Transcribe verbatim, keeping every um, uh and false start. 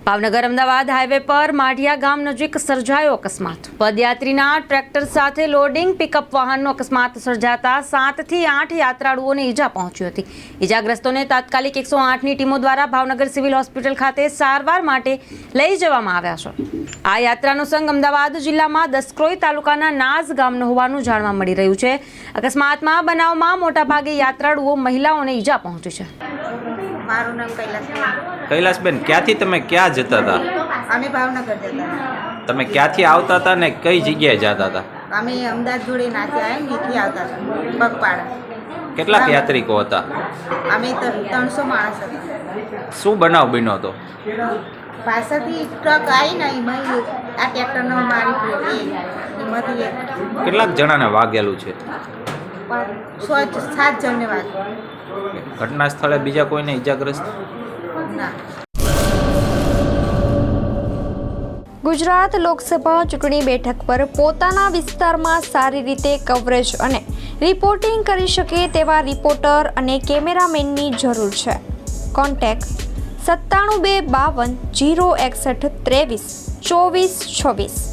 Bhavnagar Ahmedabad highway પર માઢિયા ગામ નજીક સર્જાયો અકસ્માત। પદયાત્રીના ટ્રેક્ટર સાથે લોડિંગ પિકઅપ વાહનનો અકસ્માત સર્જાતા સાતથી આઠ યાત્રાળુઓને ઈજા પહોંચી હતી। ઈજાગ્રસ્તોને તાત્કાલિક એકસો આઠની ટીમો દ્વારા ભાવનગર સિવિલ હોસ્પિટલ ખાતે સારવાર માટે લઈ જવામાં આવ્યા છે। આ યાત્રાનો સંઘ અમદાવાદ જિલ્લામાં દસક્રોઈ તાલુકાના નાઝ ગામનો હોવાનું જાણવા મળી રહ્યું છે। અકસ્માતમાં બનાવમાં મોટાભાગે યાત્રાળુઓ મહિલાઓને ઈજા પહોંચી છે। મારું નામ કૈલાસબેન। કૈલાસબેન, ક્યાંથી તમે ક્યાં જતા હતા? અમે ભાવનગર જતા હતા। તમે ક્યાંથી આવતા હતા ને કઈ જગ્યાએ જતા હતા? અમે અમદાવાદ જોડે નાથી આવ્યા નીથી આવતા હતા પગપાળા। કેટલાક યાત્રિકો હતા? અમે ત્રણસો માણસ હતા। શું બનાવ બન્યો હતો? પાછળથી ટ્રક આવી ને એમાં આ ટ્રેક્ટરનો મારી પડ્યો એમાંથી કેટલાક જણાને વાગેલું છે? સો સાત જણને વાગ્યું। ઘટના સ્થળે બીજા કોઈને ઈજાગ્રસ્ત ના। ગુજરાત લોકસભા ચૂંટણી બેઠક પર પોતાના વિસ્તારમાં સારી રીતે કવરેજ અને રિપોર્ટિંગ કરી શકે તેવા રિપોર્ટર અને કેમેરામેનની જરૂર છે। કોન્ટેક્ટ સત્તાણું બે બાવન જીરો એકસઠ ત્રેવીસ ચોવીસ છવ્વીસ।